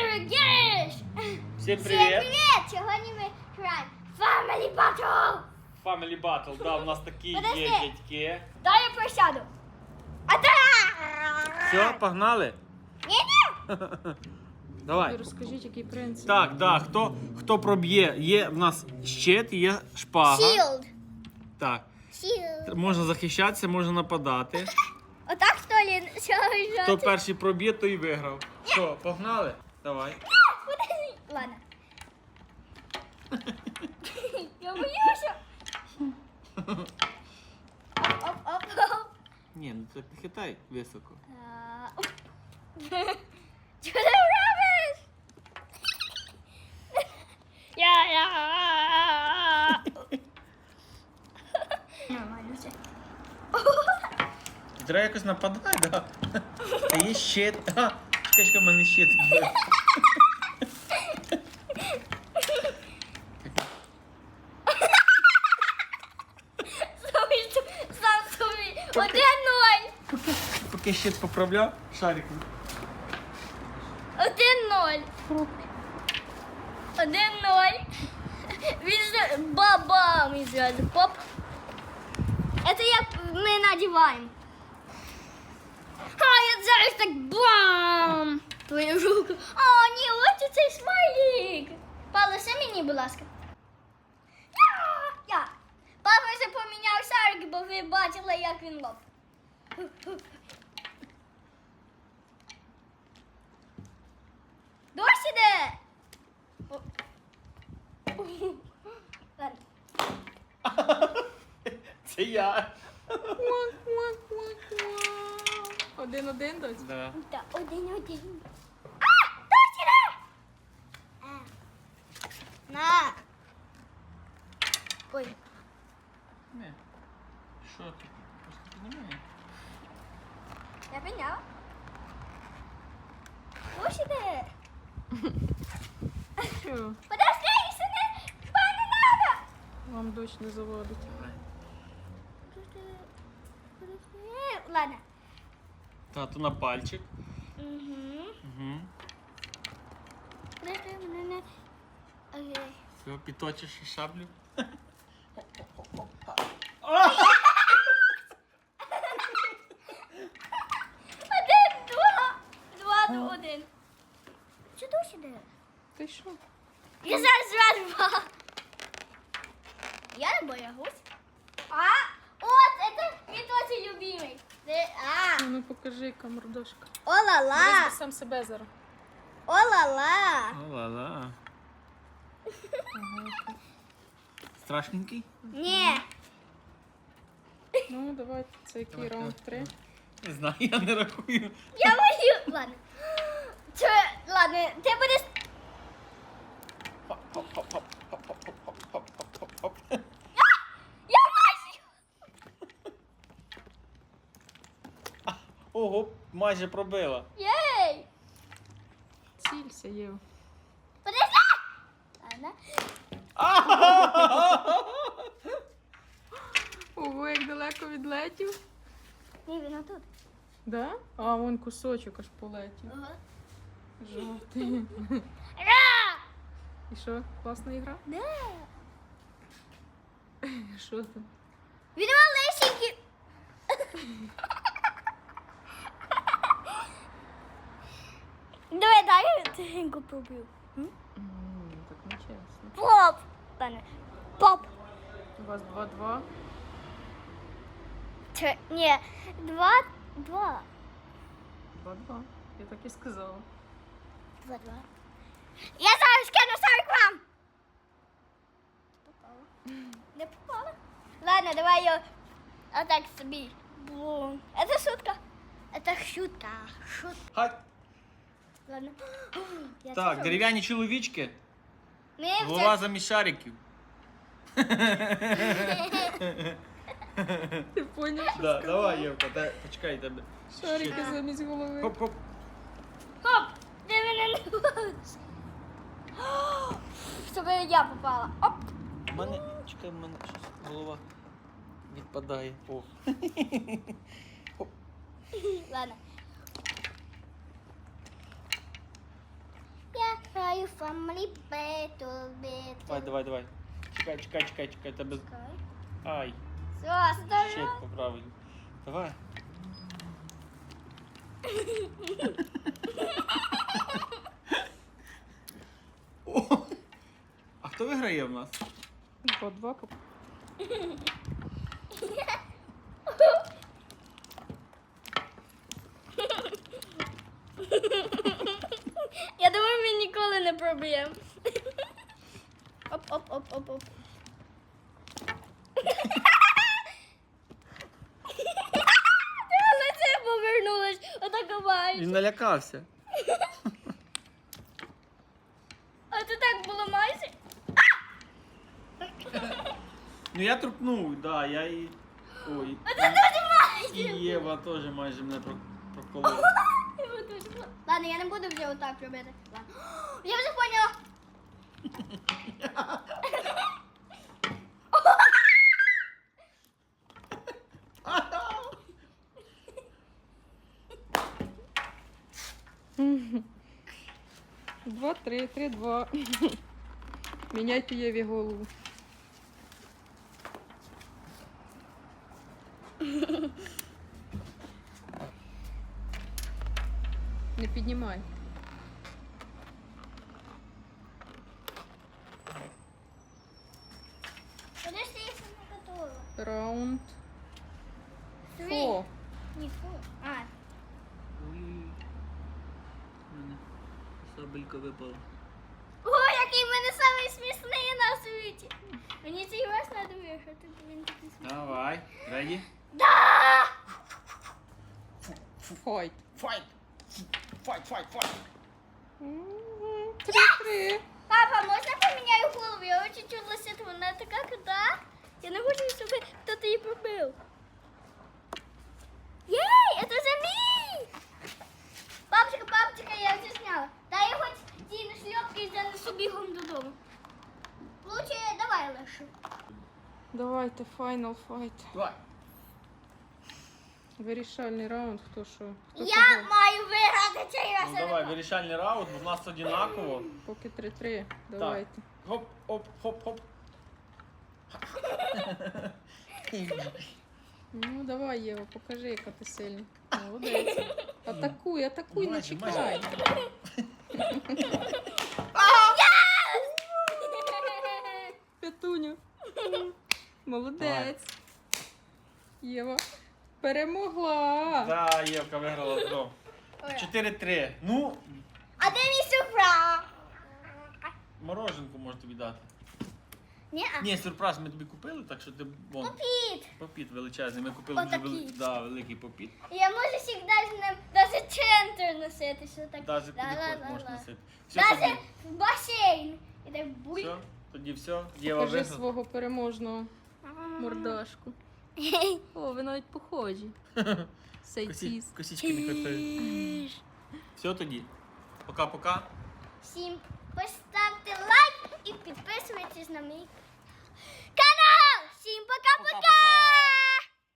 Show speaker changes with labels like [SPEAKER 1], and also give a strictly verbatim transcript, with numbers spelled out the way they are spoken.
[SPEAKER 1] Геш!
[SPEAKER 2] Всім
[SPEAKER 1] Всем
[SPEAKER 2] привіт!
[SPEAKER 1] привет! Сьогодні ми граємо Family Battle!
[SPEAKER 2] Family Battle, да, у нас такі
[SPEAKER 1] Подожди.
[SPEAKER 2] є дядьки.
[SPEAKER 1] Дай я присяду. А та!
[SPEAKER 2] Все, погнали?
[SPEAKER 1] Ні-ні!
[SPEAKER 2] Давай.
[SPEAKER 3] Розкажіть, який принцип.
[SPEAKER 2] Так, да, хто, хто проб'є, є в нас щит, є шпага.
[SPEAKER 1] Shield.
[SPEAKER 2] Так.
[SPEAKER 1] Shield.
[SPEAKER 2] Можна захищатися, можна нападати.
[SPEAKER 1] Отак, що ли? Що
[SPEAKER 2] Хто перший проб'є, той і виграв. Що, погнали? Давай.
[SPEAKER 1] Ладно. Я боюся. Оп-оп-оп.
[SPEAKER 2] Ні, ну так не хитай високо.
[SPEAKER 1] А, оп. Що ти робиш? Я, я. Нормально все.
[SPEAKER 2] Треба якось нападай, да? Та є щит. А, чекай, чекай, в мене щит.
[SPEAKER 1] Сам собі. Один-ноль.
[SPEAKER 2] Поки, поки щит поправляв, шариком.
[SPEAKER 1] Один-ноль. Один-ноль. Він же бабам і зразу поп. Это як ми надіваємо. А, я зараз так бам! Твою руку. О, ні, ось цей смайлик. Палеся мені, будь ласка. Я, я. Папа вже поміняв шарик, бо ви бачили, як він лоп. Дощ іде. О. Ладно.
[SPEAKER 2] Це я.
[SPEAKER 3] Один-один, доць?
[SPEAKER 2] Да.
[SPEAKER 1] Та один-один. А! Дощ іде! А. На. Ой.
[SPEAKER 2] Не. Що ти? Просто піднімай.
[SPEAKER 1] Я підняла. Дощ іде.
[SPEAKER 3] Що?
[SPEAKER 1] Подожди, ще не, хіба не надо.
[SPEAKER 3] Вам дощ не заводить.
[SPEAKER 1] Ладно.
[SPEAKER 2] Тату на пальчик.
[SPEAKER 1] Угу.
[SPEAKER 2] Угу.
[SPEAKER 1] Окей.
[SPEAKER 2] Все, підточиш шаблю.
[SPEAKER 1] Один, два. Два до один. Що дощ іде?
[SPEAKER 3] Ти що?
[SPEAKER 1] Я зараз зразу два. Я не боягусь. А, от, это мій тоже любимий. Це, а,
[SPEAKER 3] Ну покажи, камердошка.
[SPEAKER 1] о-ла-ла,
[SPEAKER 3] Візьми сам себе зараз.
[SPEAKER 1] о-ла-ла.
[SPEAKER 2] О-ла-ла. Страшненький?
[SPEAKER 1] Ні.
[SPEAKER 3] Ну, давайте, це який
[SPEAKER 2] Давай,
[SPEAKER 3] раунд?
[SPEAKER 2] давай.
[SPEAKER 3] Три?
[SPEAKER 2] Не знаю, я не рахую.
[SPEAKER 1] Я бою. Ладно. Це, ладно, ти будеш...
[SPEAKER 2] Хоп-хоп-хоп-хоп-хоп-хоп-хоп-хоп-хоп.
[SPEAKER 1] Я майже.
[SPEAKER 2] Ого, майже пробила.
[SPEAKER 1] Єй.
[SPEAKER 3] Цілься, Єв.
[SPEAKER 1] Подожди. Ладно.
[SPEAKER 3] Ого, як далеко відлетів.
[SPEAKER 1] Ні, він отут.
[SPEAKER 3] Да? А, вон кусочок аж полетів.
[SPEAKER 1] Ага.
[SPEAKER 3] Жовтий.
[SPEAKER 1] Ра!
[SPEAKER 3] І що, класна ігра?
[SPEAKER 1] Да.
[SPEAKER 3] Що там?
[SPEAKER 1] Він малесенький. Давай, дай я тихенько пробую.
[SPEAKER 3] М, Так не чесно.
[SPEAKER 1] Поп. Ладно. Поп.
[SPEAKER 3] У вас два-два.
[SPEAKER 1] Чи, ні, два, два.
[SPEAKER 3] Два-два. Я так і сказала.
[SPEAKER 1] Два, два. Я зараз кину сорок вам. Попала. Не попала? Ладно, давай я отак собі. Бум. Это шутка. Это шутка. Шутка.
[SPEAKER 2] Хай.
[SPEAKER 1] Ладно. Я
[SPEAKER 2] Так,
[SPEAKER 1] теж.
[SPEAKER 2] дерев'яні чоловічки.
[SPEAKER 1] Ми
[SPEAKER 2] Голова
[SPEAKER 1] вже...
[SPEAKER 2] замість шариків.
[SPEAKER 3] Ти поняв? що
[SPEAKER 2] Да,
[SPEAKER 3] сказала?
[SPEAKER 2] давай, Євка, дай, почекай тебе.
[SPEAKER 3] Шарики
[SPEAKER 2] Щит.
[SPEAKER 3] замість голови.
[SPEAKER 2] Хоп-хоп.
[SPEAKER 1] Хоп! Ти мене не бачиш. Щоб я попала. Оп.
[SPEAKER 2] У мене, чекай, в мене щось голова відпадає. О.
[SPEAKER 1] Ладно. Я family battle, battle.
[SPEAKER 2] Давай, давай, давай. Чекай, чекай, чекай, чекай. Тебе...
[SPEAKER 1] Чекай.
[SPEAKER 2] Ай,
[SPEAKER 1] Все,
[SPEAKER 2] щит
[SPEAKER 1] здорово.
[SPEAKER 2] поправили. Давай. О! А хто виграє в нас?
[SPEAKER 3] Два-два.
[SPEAKER 1] Я думаю, ми ніколи не проб'ємо. Оп, оп, оп, оп, оп. Лице повернулось, отако маєш.
[SPEAKER 2] Він налякався.
[SPEAKER 1] А ти так було майже?
[SPEAKER 2] Ну я трупнув, да, я і. Ой.
[SPEAKER 1] А ти дуже
[SPEAKER 2] І
[SPEAKER 1] майже.
[SPEAKER 2] Єва теж майже мене про- проколола.
[SPEAKER 1] Ладно, я не буду вже отак робити. Ладно. Я вже поняла.
[SPEAKER 3] Два-три, три-два. Міняйте Єві голову. Не піднімай.
[SPEAKER 1] Подожди, я сама готова.
[SPEAKER 3] Раунд.
[SPEAKER 1] Три.
[SPEAKER 3] Фо.
[SPEAKER 1] Не фу. А,
[SPEAKER 2] Ой. Мене сабелька випала.
[SPEAKER 1] ой, який в мене самий смішний на світі. Мені цей раз треба виграти, бо він такий смішний.
[SPEAKER 2] Давай. Реді?
[SPEAKER 1] Да!
[SPEAKER 3] Файт.
[SPEAKER 2] Файт! Файт, файт, файт!
[SPEAKER 3] Мгм. Три-три.
[SPEAKER 1] Папа, можна поміняю голову? Я очень чулася, вона така крута. Я не хочу, щоб хтось її побив. Єй, це же мій! Папочка, папочка, я вже зняла. Дай я хоч ті на шльопки і занесу бігом додому. Лучше давай лише.
[SPEAKER 3] Давайте, файнал файт.
[SPEAKER 2] Давай.
[SPEAKER 3] Вирішальний раунд, хто що. Хто
[SPEAKER 1] Я
[SPEAKER 3] кого.
[SPEAKER 1] маю виграти цей раз.
[SPEAKER 2] Ну давай, вирішальний раунд, бо в нас одинаково.
[SPEAKER 3] Поки три-три. Давайте.
[SPEAKER 2] Хоп, хоп, хоп, хоп.
[SPEAKER 3] Ну, давай, Єва, покажи, яка ти сильна. Молодець. Атакуй, атакуй, не
[SPEAKER 2] Майже,
[SPEAKER 3] чекай. П'ятуню. Молодець. Єва перемогла.
[SPEAKER 2] Да, Євка виграла знову. чотири-три. Ну,
[SPEAKER 1] А де мій сюрприз?
[SPEAKER 2] мороженку можу тобі дати.
[SPEAKER 1] Ні, а
[SPEAKER 2] Ні, сюрприз ми тобі купили, так що ти вон.
[SPEAKER 1] попіт.
[SPEAKER 2] Попіт величезний. Ми купили вже
[SPEAKER 1] Отакий.
[SPEAKER 2] вели... да, великий попіт.
[SPEAKER 1] Я можу завжди з ним навіть центр носити, що так.
[SPEAKER 2] Навіть куди
[SPEAKER 1] ла-ла-ла-ла.
[SPEAKER 2] хочеш можеш носити. Все,
[SPEAKER 1] Навіть
[SPEAKER 2] тоді,
[SPEAKER 1] в басейн. І так буй.
[SPEAKER 2] все, тоді все. Єва
[SPEAKER 3] Покажи
[SPEAKER 2] виграла.
[SPEAKER 3] свого переможного мордашку. О, ви навіть похожі.
[SPEAKER 2] Косі...
[SPEAKER 3] Сейціс.
[SPEAKER 2] Косічки не хватає. Все тоді. Пока-пока.
[SPEAKER 1] Всім поставте лайк і підписуйтесь на мій канал. Всім пока-пока!
[SPEAKER 2] Пока-пока.